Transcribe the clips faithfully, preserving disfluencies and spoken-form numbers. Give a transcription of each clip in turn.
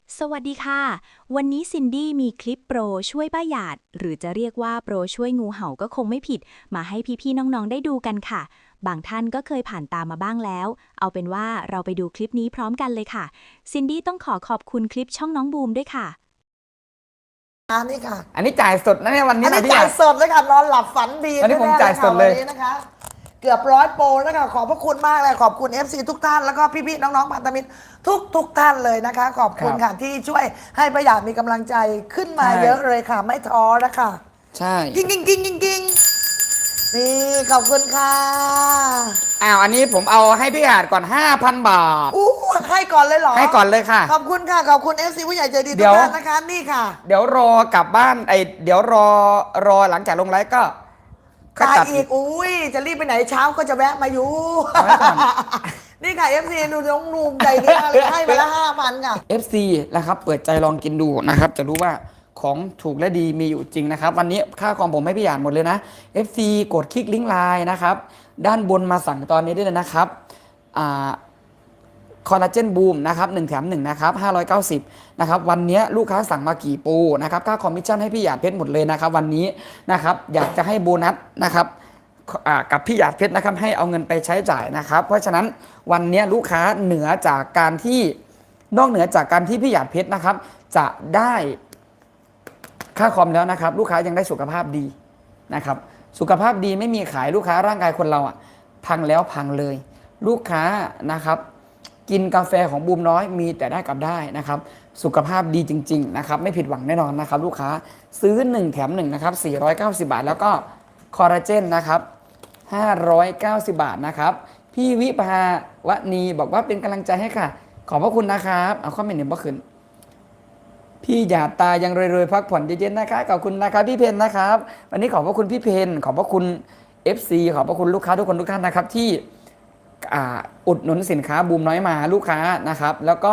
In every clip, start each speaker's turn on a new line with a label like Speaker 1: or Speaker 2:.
Speaker 1: สวัสดีค่ะ วันนี้ซินดี้มีคลิปโปรช่วยป้าหยาดหรือจะเรียกว่าโปรช่วยงูเห่าก็คงไม่ผิดมาให้พี่ๆน้องๆได้ดูกันค่ะบางท่านก็เคยผ่านตามมาบ้างแล้วเอาเป็นว่าเราไปดูคลิปนี้พร้อมกันเลยค่ะซินดี้ต้องขอขอบคุณคลิปช่องน้องบูมด้วยค่ะ
Speaker 2: อันนี้ค่ะ
Speaker 3: อันนี้จ่ายสดนะเนี่ยวันนี้
Speaker 2: อันนี้
Speaker 3: นะพี่
Speaker 2: จ่ายสดเลยค่ะนอนหลับฝันดี
Speaker 3: วันนี้ผมจ่ายสดเลย
Speaker 2: วันนี้นะคะเกือบร้อยโปรแล้วค่ะขอบพระคุณมากเลยขอบคุณ เอฟ ซี ทุกท่านแล้วก็พี่ๆน้องๆพันธมิตรทุกทุกท่านเลยนะคะ ขอบคุณค่ะที่ช่วยให้ประหยัดมีกำลังใจขึ้นมาเยอะเลยค่ะ ไม่ท้อนะคะ
Speaker 3: ใช่
Speaker 2: กิ้งกิ้งกิ้งกิ้งกิ้งนี่ขอบคุณค่ะ
Speaker 3: อ้าวอันนี้ผมเอาให้พี่อาจก่อน ห้าพัน บาท
Speaker 2: อู้ให้ก่อนเลยเหรอ
Speaker 3: ให้ก่อนเลยค่ะ
Speaker 2: ขอบคุณค่ะขอบคุณ เอฟ ซี ผู้ใหญ่ใจดี
Speaker 3: เดี๋
Speaker 2: ทุก
Speaker 3: ยว
Speaker 2: ท่านนะคะนี่ค่ะ
Speaker 3: เดี๋ยวรอกลับบ้านไอเดี๋ยวรอรอหลังจากลงไลฟ์ก็ก็
Speaker 2: ตาย
Speaker 3: จัด
Speaker 2: อีกอุ้ยจะรีบไปไหนเช้าก็จะแวะมาอยู่
Speaker 3: เอาไว้ก่อน
Speaker 2: นี่ค่ะ เอฟ ซี ดูน้องนูมใจดีมากเลยให้มาละห้าพันค่ะ
Speaker 3: เอฟ ซี นะครับเปิดใจลองกินดูนะครับจะรู้ว่าของถูกและดีมีอยู่จริงนะครับวันนี้ค่าคอมผมให้พี่อ่านหมดเลยนะ เอฟ ซี กดคลิกลิงก์ไลน์นะครับด้านบนมาสั่งตอนนี้ได้เลยนะครับอ่าคอลลาเจนบูมนะครับหนึ่งแถมหนึ่งนะครับห้าร้อยเก้าสิบนะครับวันนี้ลูกค้าสั่งมากี่ปูนะครับค่าคอมมิชชั่นให้พี่หยาดเพชรหมดเลยนะครับวันนี้นะครับอยากจะให้โบนัสนะครับกับพี่หยาดเพชรนะครับให้เอาเงินไปใช้จ่ายนะครับเพราะฉะนั้นวันนี้ลูกค้าเหนือจากการที่นอกเหนือจากการที่พี่หยาดเพชรนะครับจะได้ค่าคอมแล้วนะครับลูกค้ายังได้สุขภาพดีนะครับสุขภาพดีไม่มีขายลูกค้าร่างกายคนเราอ่ะพังแล้วพังเลยลูกค้านะครับกินกาแฟของบูมน้อยมีแต่ได้กับได้นะครับสุขภาพดีจริงๆนะครับไม่ผิดหวังแน่นอนนะครับลูกค้าซื้อหนึ่งแถมหนึ่งนะครับสี่ร้อยเก้าสิบบาทแล้วก็คอลลาเจนนะครับห้าร้อยเก้าสิบบาทนะครับพี่วิภาวณีบอกว่าเป็นกำลังใจให้ค่ะขอบพระคุณนะครับเอาข้อมเมนต์เห็นบ่ขึ้นพี่หยาดตายังรวยๆพักผ่อนเย็นๆนะคะขอบคุณนะครับพี่เพนนะครับวันนี้ขอบพระคุณพี่เพนขอบพระคุณ เอฟ ซี ขอบพระคุณลูกค้าทุกคนทุกท่านนะครับที่อุดหนุนสินค้าบูมน้อยมาลูกค้านะครับแล้วก็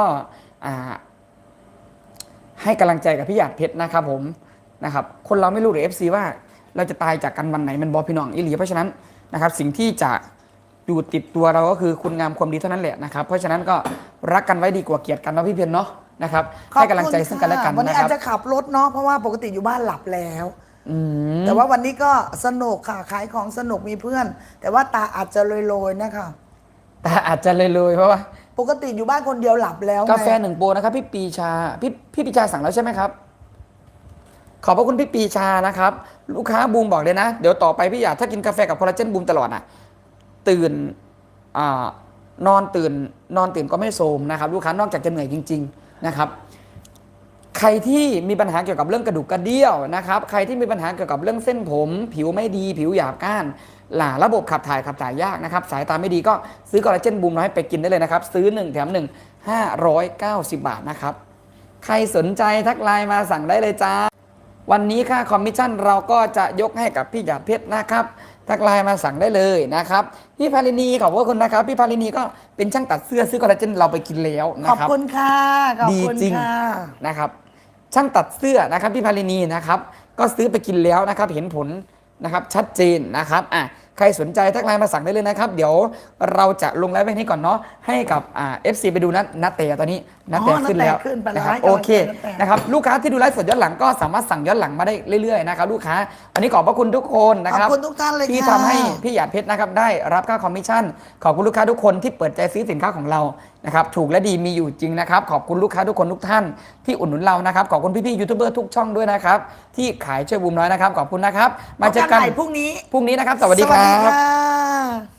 Speaker 3: ให้กำลังใจกับพี่หยาดเพชรนะครับผมนะครับคนเราไม่รู้หรือ เอฟ ซี ว่าเราจะตายจากกันวันไหนมันบอพี่น้องอิหลีเพราะฉะนั้นนะครับสิ่งที่จะอยู่ติดตัวเราก็คือคุณงามความดีเท่านั้นแหละนะครับเพราะฉะนั้นก็รักกันไว้ดีกว่าเกลียดกันเนาะพี่เพชรเนาะนะครับให้กำลังใจซึ่งกันและกันนะครับวัน
Speaker 2: นี้อาจจะขับรถเนาะเพราะว่าปกติอยู่บ้านหลับแล้วแต่ว่าวันนี้ก็สนุกค่ะขายของสนุกมีเพื่อน แต่ว่าตาอาจจะโรยๆนะคะ
Speaker 3: ตาอาจจะเลยๆเพราะว่า
Speaker 2: ปกติอยู่บ้านคนเดียวหลับแล้ว
Speaker 3: กาแฟหนึ่งโปรนะครับพี่ปีชาพี่พี่ปีชาสั่งแล้วใช่ไหมครับขอบพระคุณพี่ปีชานะครับลูกค้าบูมบอกเลยนะเดี๋ยวต่อไปพี่อยากถ้ากินกาแฟกับคอลลาเจนบูมตลอดอ่ะตื่นอ่านอนตื่นนอนตื่นก็ไม่โทรมนะครับลูกค้านอกจากจะเหนื่อยจริงๆนะครับใครที่มีปัญหาเกี่ยวกับเรื่องกระดูกกระเดี่ยวนะครับใครที่มีปัญหาเกี่ยวกับเรื่องเส้นผมผิวไม่ดีผิวหยาบก้านหล่าระบบขับถ่ายขับถ่ายยากนะครับสายตาไม่ดีก็ซื้อคอลลาเจนบูมน้อยไปกินได้เลยนะครับซื้อหนึ่งแถมหนึ่ง ห้าร้อยเก้าสิบบาทนะครับใครสนใจทักไลน์มาสั่งได้เลยจ้าวันนี้ค่าคอมมิชชั่นเราก็จะยกให้กับพี่หยาดเพชรนะครับทักไลน์มาสั่งได้เลยนะครับพี่พาลินีขอบคุณนะครับพี่พาลินีก็เป็นช่างตัดเสื้อซื้อคอลลาเจนเราไปกินแล้วนะครับ
Speaker 2: ขอบคุณค่ะขอบคุณ
Speaker 3: ดีจริงนะครับช่างตัดเสื้อนะครับพี่พาลินีนะครับก็ซื้อไปกินแล้วนะครับเห็นผลนะครับชัดเจนนะครับอ่ะใครสนใจทักไลน์มาสั่งได้เลยนะครับเดี๋ยวเราจะลงไลฟ์ไว้นี้ก่อนเนาะให้กับอ่า เอฟ ซี ไปดูนัดนัดเตะตอนนี้นัดเตะขึ้นแล้วนะครับโอเคนะครับลูกค้าที่ดูไลฟ์สดย้อนหลังก็สามารถสั่งย้อนหลังมาได้เรื่อยๆนะครับลูกค้าอันนี้ขอบพระคุณทุกคนนะครับ
Speaker 2: ขอบคุณทุกท่านเลย
Speaker 3: ที่ทำให้พี่หยาดเพชรนะครับได้รับค่าคอมมิชชั่นขอบคุณลูกค้าทุกคนที่เปิดใจซื้อสินค้าของเรานะครับถูกและดีมีอยู่จริงนะครับขอบคุณลูกค้าทุกคนทุกท่านที่อุดหนุนเรานะครับขอบคุณพี่ๆยูทูบเบอร์ทุกช่องด้วยนะครับที่ขายช่วยบูมน้อยนะครับขอบคุณนะครับมาเจอกัน
Speaker 2: พรุ่งนี้
Speaker 3: พรุ่งนี้นะครับสวัสดีครับ